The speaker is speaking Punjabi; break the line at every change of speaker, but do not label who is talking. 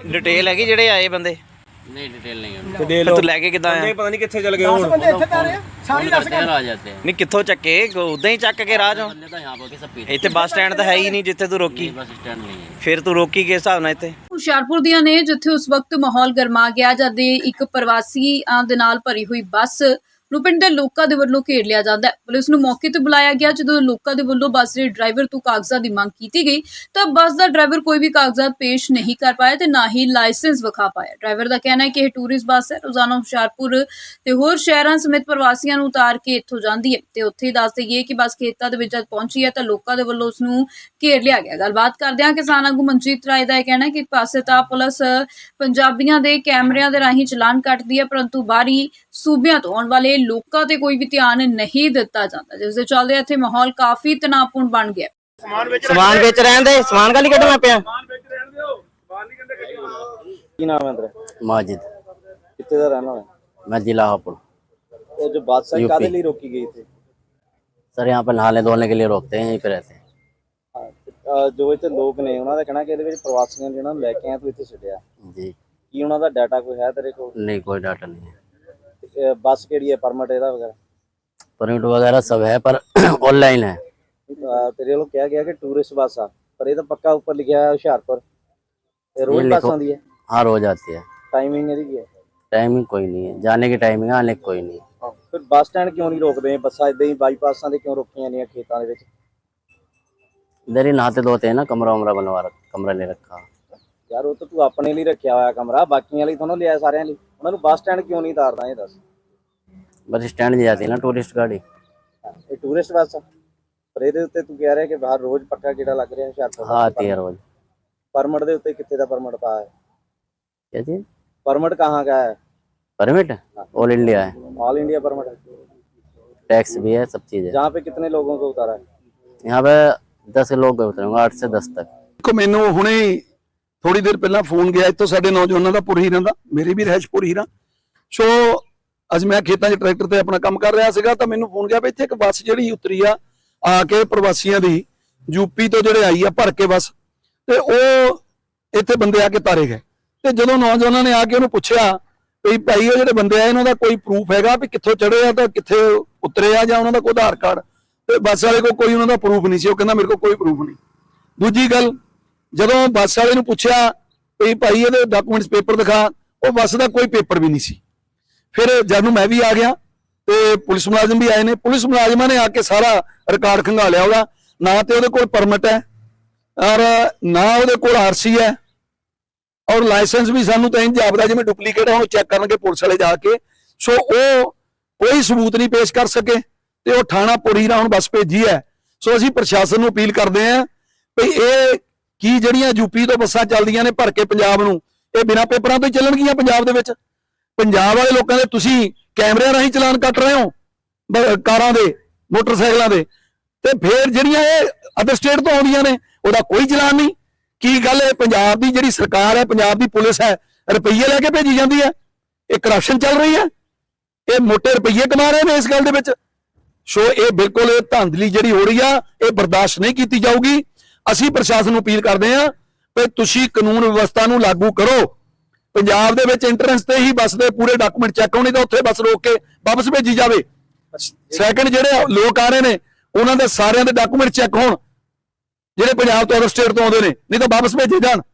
डिटेल है कि जेडे आए बंदे
नहीं डिटेल नहीं है।
ਤੇ ਦੇ
फिर
ਲੋ
तू लैके किदा आया
ਪਤਾ ਨਹੀਂ ਕਿੱਥੇ ਚਲ ਗਏ ਹੁਣ
ਬੰਦੇ ਇੱਥੇ ਤਾਂ ਆ ਰਹੇ ਆ ਸਾਰੀ ਦੱਸ
करते हैं आ जाते हैं।
नहीं कित्थों चक्के उदा ही चक के राह चों
बंदे तो यहाँ पर सब पीते
इत्थे बस स्टैंड तो है ही नहीं जिथे तू रोकी
हैं, बस स्टैंड नहीं है।
फिर तू रोकी किस हिसाब नाल इत्थे
ਹੁਸ਼ਿਆਰਪੁਰ ਦੀਆਂ ਨੇ ਜਿੱਥੇ ਉਸ ਵਕਤ ਮਾਹੌਲ ਗਰਮਾ ਗਿਆ ਜਦ ਇੱਕ ਪ੍ਰਵਾਸੀਆਂ ਦੇ ਨਾਲ ਭਰੀ ਹੋਈ ਬੱਸ ਨੂੰ ਪਿੰਡ ਦੇ ਲੋਕਾਂ ਦੇ ਵੱਲੋਂ ਘੇਰ ਲਿਆ ਜਾਂਦਾ ਹੈ। ਪੁਲਿਸ ਨੂੰ ਮੌਕੇ ਤੇ ਬੁਲਾਇਆ ਗਿਆ। ਜਦੋਂ ਲੋਕਾਂ ਦੇ ਵੱਲੋਂ ਬੱਸ ਦੇ ਡਰਾਈਵਰ ਤੋਂ ਕਾਗਜ਼ਾਂ ਦੀ ਮੰਗ ਕੀਤੀ ਗਈ ਤਾਂ ਬੱਸ ਦਾ ਡਰਾਈਵਰ ਕੋਈ ਵੀ ਕਾਗਜ਼ਾਤ ਪੇਸ਼ ਨਹੀਂ ਕਰ ਪਾਇਆ ਤੇ ਨਾ ਹੀ ਲਾਇਸੈਂਸ ਵਿਖਾ ਪਾਇਆ। ਡਰਾਈਵਰ ਦਾ ਕਹਿਣਾ ਹੈ ਕਿ ਇਹ ਟੂਰਿਸਟ ਬੱਸ ਹੈ, ਰੋਜ਼ਾਨਾ ਹੁਸ਼ਿਆਰਪੁਰ ਤੇ ਹੋਰ ਸ਼ਹਿਰਾਂ ਸਮੇਤ ਪ੍ਰਵਾਸੀਆਂ ਨੂੰ ਉਤਾਰ ਕੇ ਇੱਥੋਂ ਜਾਂਦੀ ਹੈ ਤੇ ਉੱਥੇ ਹੀ ਦੱਸ ਦੇਈਏ ਕਿ ਬੱਸ ਖੇਤਾਂ ਦੇ ਵਿੱਚ ਜਦ ਪਹੁੰਚੀ ਹੈ ਤਾਂ ਲੋਕਾਂ ਦੇ ਵੱਲੋਂ ਉਸ ਨੂੰ ਘੇਰ ਲਿਆ ਗਿਆ। ਗੱਲਬਾਤ ਕਰਦਿਆਂ ਕਿਸਾਨ ਆਗੂ ਮਨਜੀਤ ਰਾਏ ਦਾ ਇਹ ਕਹਿਣਾ ਹੈ ਕਿ ਇੱਕ ਪਾਸੇ ਤਾਂ ਪੁਲਿਸ ਪੰਜਾਬੀਆਂ ਦੇ ਕੈਮਰਿਆਂ ਦੇ ਰਾਹੀਂ ਚਲਾਨ ਕੱਟਦੀ ਹੈ ਪਰੰਤੂ ਬਾਹਰੀ ਸੂਬਿਆਂ ਤੋਂ ਆਉਣ ਵਾਲੇ ਲੋਕਾਂ ਤੇ ਕੋਈ ਵੀ ਧਿਆਨ ਨਹੀਂ ਦਿੱਤਾ ਜਾਂਦਾ, ਜਿਸ ਦੇ ਚੱਲਦੇ ਇੱਥੇ ਮਾਹੌਲ ਕਾਫੀ ਤਣਾਅਪੂਰਨ ਬਣ ਗਿਆ।
समान बेच रहन दे समान का नहीं कटना पिया
ਕੀ ਨਾਮ ਹੈ ਤੇਰਾ?
माजिद
ਕਿੱਥੇ ਦਾ ਰਹਿਣਾ ਹੈ?
मैं जिला हापुड़।
ਇਹ ਜੋ ਬਾਦਸ਼ਾਹ
यूपी।
ਕਾਦੇ ਲਈ ਰੋਕੀ ਗਈ थे?
सर यहाँ पर नहाने धोने के लिए रोकते हैं, यहीं पे रहते हैं।
ਜੋ ਇੱਥੇ ਲੋਕ ਨੇ ਉਹਨਾਂ ਦਾ ਕਹਿਣਾ ਕਿ ਇਹਦੇ ਵਿੱਚ ਪ੍ਰਵਾਸੀਆਂ ਜਿਹਨਾਂ ਨੂੰ ਲੈ ਕੇ ਆਇਆ ਤੂੰ ਇੱਥੇ ਛੱਡਿਆ,
जी
ਕੀ ਉਹਨਾਂ ਦਾ ਡਾਟਾ ਕੋਈ ਹੈ ਤੇਰੇ ਕੋਲ?
नहीं कोई डाटा नहीं है।
ਬੱਸ ਕਿਹੜੀ ਹੈ, ਪਰਮਿਟ ਇਹਦਾ ਵਗੈਰਾ?
परमिट वगैरह सब है पर ऑनलाइन है।
ਤੇਰੇ ਵੱਲੋਂ ਕਿਹਾ ਗਿਆ ਕਿ ਟੂਰਿਸਟ ਬੱਸ ਆ, ਪਰ ਇਹ ਤਾਂ ਪੱਕਾ ਉੱਪਰ ਲਿਖਿਆ ਹੈ ਹੁਸ਼ਿਆਰਪੁਰ। ਇਹ ਰੋਜ਼ ਬੱਸ ਆਉਂਦੀ ਹੈ?
हाँ रोज आती है।
ਟਾਈਮਿੰਗ ਇਹਦੀ ਕੀ ਹੈ?
टाइमिंग कोई नहीं है, जाने की टाइमिंग है, आने की कोई नहीं है।
ਫਿਰ ਬੱਸ ਸਟੈਂਡ ਕਿਉਂ ਨਹੀਂ ਰੋਕਦੇ? ਬੱਸਾਂ ਇਦਾਂ ਹੀ ਬਾਈਪਾਸਾਂ ਦੇ ਕਿਉਂ ਰੋਕੀਆਂ ਨੇ ਖੇਤਾਂ ਦੇ ਵਿੱਚ?
इधर ही नहाते धोते हैं ना, कमरा वमरा बनवा रखा, कमरा ले रखा।
ਯਾਰ ਉਹ ਤਾਂ ਤੂੰ ਆਪਣੇ ਲਈ ਰੱਖਿਆ ਹੋਇਆ ਕਮਰਾ, ਬਾਕੀਆਂ ਲਈ ਤੁਹਾਨੂੰ ਲਿਆ ਸਾਰਿਆਂ ਲਈ। ਉਹਨਾਂ ਨੂੰ ਬੱਸ ਸਟੈਂਡ ਕਿਉਂ ਨਹੀਂ ਉਤਾਰਦਾ ਇਹ ਦੱਸ?
बस स्टैंड नहीं जाती है ना टूरिस्ट गाड़ी।
ਇਹ ਟੂਰਿਸਟ ਬੱਸ ਆ, ਪਰ ਇਹਦੇ ਉੱਤੇ ਤੂੰ ਕਹਿ ਰਿਹਾ ਕਿ ਬਾਹਰ ਰੋਜ਼ ਪੱਕਾ ਕੀੜਾ ਲੱਗ ਰਿਹਾ ਹੁਸ਼ਿਆਰਪੁਰ।
हाँ आती है रोज।
परमिट ਦੇ ਉੱਤੇ ਕਿੱਥੇ ਦਾ ਪਰਮਿਟ ਪਾ ਹੈ?
क्या चीज?
परमिट कहाँ का है?
परमिट ऑल इंडिया है,
ऑल इंडिया परमिट है।
टैक्स भी है, सब चीज है।
जहाँ पे कितने लोगों को उतारा है?
यहाँ पे 10 लोग उतरेंगे, 8 से 10 तक।
ਦੇਖੋ ਮੈਨੂੰ ਹੁਣੇ ਥੋੜੀ ਦੇਰ ਪਹਿਲਾਂ ਫੋਨ ਗਿਆ ਇੱਥੋਂ ਸਾਡੇ ਨੌਜਵਾਨਾਂ ਦਾ ਪੁਰਹੀਰਾਂ ਦਾ, ਮੇਰੀ ਵੀ ਰਹਿਸ਼ ਪੁਰਹੀਰਾਂ। ਸੋ ਅੱਜ ਮੈਂ ਖੇਤਾਂ 'ਚ ਟਰੈਕਟਰ ਤੇ ਆਪਣਾ ਕੰਮ ਕਰ ਰਿਹਾ ਸੀਗਾ ਤਾਂ ਮੈਨੂੰ ਫੋਨ ਗਿਆ ਵੀ ਇੱਥੇ ਇੱਕ ਬੱਸ ਜਿਹੜੀ ਉਤਰੀ ਆ ਕੇ ਪ੍ਰਵਾਸੀਆਂ ਦੀ ਯੂਪੀ ਤੋਂ ਜਿਹੜੇ ਆਈ ਆ ਭਰ ਕੇ ਬੱਸ, ਤੇ ਉਹ ਇੱਥੇ ਬੰਦੇ ਆ ਕੇ ਤਾਰੇ ਗਏ। ਤੇ ਜਦੋਂ ਨੌਜਵਾਨਾਂ ਨੇ ਆ ਕੇ ਉਹਨੂੰ ਪੁੱਛਿਆ ਵੀ ਭਾਈ ਉਹ ਜਿਹੜੇ ਬੰਦੇ ਆ ਇਹਨਾਂ ਦਾ ਕੋਈ ਪ੍ਰੂਫ ਹੈਗਾ ਵੀ ਕਿੱਥੋਂ ਚੜੇ ਆ ਤਾਂ ਕਿੱਥੇ ਉਤਰੇ ਆ ਜਾਂ ਉਹਨਾਂ ਦਾ ਕੋਈ ਆਧਾਰ ਕਾਰਡ, ਤੇ ਬੱਸ ਵਾਲੇ ਕੋਲ ਕੋਈ ਉਹਨਾਂ ਦਾ ਪ੍ਰੂਫ ਨਹੀਂ ਸੀ। ਉਹ ਕਹਿੰਦਾ ਮੇਰੇ ਕੋਲ ਕੋਈ ਪ੍ਰੂਫ ਨਹੀਂ। ਦੂਜੀ ਗੱਲ, ਜਦੋਂ ਬੱਸ ਵਾਲੇ ਨੂੰ ਪੁੱਛਿਆ ਵੀ ਭਾਈ ਇਹਦੇ ਡਾਕੂਮੈਂਟਸ ਪੇਪਰ ਦਿਖਾ, ਉਹ ਬੱਸ ਦਾ ਕੋਈ ਪੇਪਰ ਵੀ ਨਹੀਂ ਸੀ। ਫਿਰ ਜਦ ਨੂੰ ਮੈਂ ਵੀ ਆ ਗਿਆ ਤੇ ਪੁਲਿਸ ਮੁਲਾਜ਼ਮ ਵੀ ਆਏ ਨੇ। ਪੁਲਿਸ ਮੁਲਾਜ਼ਮਾਂ ਨੇ ਆ ਕੇ ਸਾਰਾ ਰਿਕਾਰਡ ਖੰਗਾਲਿਆ ਉਹਦਾ, ਨਾ ਤੇ ਉਹਦੇ ਕੋਲ ਪਰਮਿਟ ਹੈ ਔਰ ਨਾ ਉਹਦੇ ਕੋਲ ਆਰਸੀ ਹੈ ਔਰ ਲਾਇਸੈਂਸ ਵੀ ਸਾਨੂੰ ਤਾਂ ਇੰਜ ਜਾਪਦਾ ਜਿਵੇਂ ਡੁਪਲੀਕੇਟ ਆ, ਉਹਨੂੰ ਚੈੱਕ ਕਰਨਗੇ ਪੁਲਿਸ ਵਾਲੇ ਜਾ ਕੇ। ਸੋ ਉਹ ਕੋਈ ਸਬੂਤ ਨਹੀਂ ਪੇਸ਼ ਕਰ ਸਕੇ ਤੇ ਉਹ ਥਾਣਾ ਪੁਰਹੀਰਾਂ ਹੁਣ ਬੱਸ ਭੇਜੀ ਹੈ। ਸੋ ਅਸੀਂ ਪ੍ਰਸ਼ਾਸਨ ਨੂੰ ਅਪੀਲ ਕਰਦੇ ਹਾਂ ਵੀ ਇਹ ਕੀ ਜਿਹੜੀਆਂ ਯੂਪੀ ਤੋਂ ਬੱਸਾਂ ਚੱਲਦੀਆਂ ਨੇ ਭਰ ਕੇ ਪੰਜਾਬ ਨੂੰ, ਇਹ ਬਿਨਾਂ ਪੇਪਰਾਂ ਤੋਂ ਹੀ ਚੱਲਣਗੀਆਂ ਪੰਜਾਬ ਦੇ ਵਿੱਚ? ਪੰਜਾਬ ਵਾਲੇ ਲੋਕਾਂ ਦੇ ਤੁਸੀਂ ਕੈਮਰਿਆਂ ਰਾਹੀਂ ਚਲਾਨ ਕੱਟ ਰਹੇ ਹੋ ਕਾਰਾਂ ਦੇ, ਮੋਟਰਸਾਈਕਲਾਂ ਦੇ, ਤੇ ਫਿਰ ਜਿਹੜੀਆਂ ਇਹ ਅਦਰ ਸਟੇਟ ਤੋਂ ਆਉਂਦੀਆਂ ਨੇ ਉਹਦਾ ਕੋਈ ਚਲਾਨ ਨਹੀਂ। ਕੀ ਗੱਲ ਹੈ? ਪੰਜਾਬ ਦੀ ਜਿਹੜੀ ਸਰਕਾਰ ਹੈ, ਪੰਜਾਬ ਦੀ ਪੁਲਿਸ ਹੈ, ਰੁਪਈਏ ਲੈ ਕੇ ਭੇਜੀ ਜਾਂਦੀ ਹੈ। ਇਹ ਕਰਪਸ਼ਨ ਚੱਲ ਰਹੀ ਹੈ, ਇਹ ਮੋਟੇ ਰੁਪਈਏ ਕਮਾ ਰਹੇ ਨੇ ਇਸ ਗੱਲ ਦੇ ਵਿੱਚ। ਸੋ ਇਹ ਬਿਲਕੁਲ ਇਹ ਧਾਂਦਲੀ ਜਿਹੜੀ ਹੋ ਰਹੀ ਆ, ਇਹ ਬਰਦਾਸ਼ਤ ਨਹੀਂ ਕੀਤੀ ਜਾਊਗੀ। ਅਸੀਂ ਪ੍ਰਸ਼ਾਸਨ ਨੂੰ ਅਪੀਲ ਕਰਦੇ ਹਾਂ ਕਿ ਤੁਸੀਂ ਕਾਨੂੰਨ ਵਿਵਸਥਾ ਨੂੰ ਲਾਗੂ ਕਰੋ। ਪੰਜਾਬ ਦੇ ਵਿੱਚ ਐਂਟਰੈਂਸ ਤੇ ਹੀ ਬੱਸ ਦੇ ਪੂਰੇ ਡਾਕੂਮੈਂਟ ਚੈੱਕ ਹੋਣੇ, ਤਾਂ ਉੱਥੇ ਬੱਸ ਰੋਕ ਕੇ ਵਾਪਸ ਭੇਜੀ ਜਾਵੇ। ਸੈਕੰਡ, ਜਿਹੜੇ ਲੋਕ ਆ ਰਹੇ ਨੇ ਉਹਨਾਂ ਦੇ ਸਾਰਿਆਂ ਦੇ ਡਾਕੂਮੈਂਟ ਚੈੱਕ ਹੋਣ, ਜਿਹੜੇ ਪੰਜਾਬ ਤੋਂ ਅਦਰ ਸਟੇਟ ਤੋਂ ਆਉਂਦੇ ਨੇ, ਨਹੀਂ ਤਾਂ ਵਾਪਸ ਭੇਜੇ ਜਾਣ।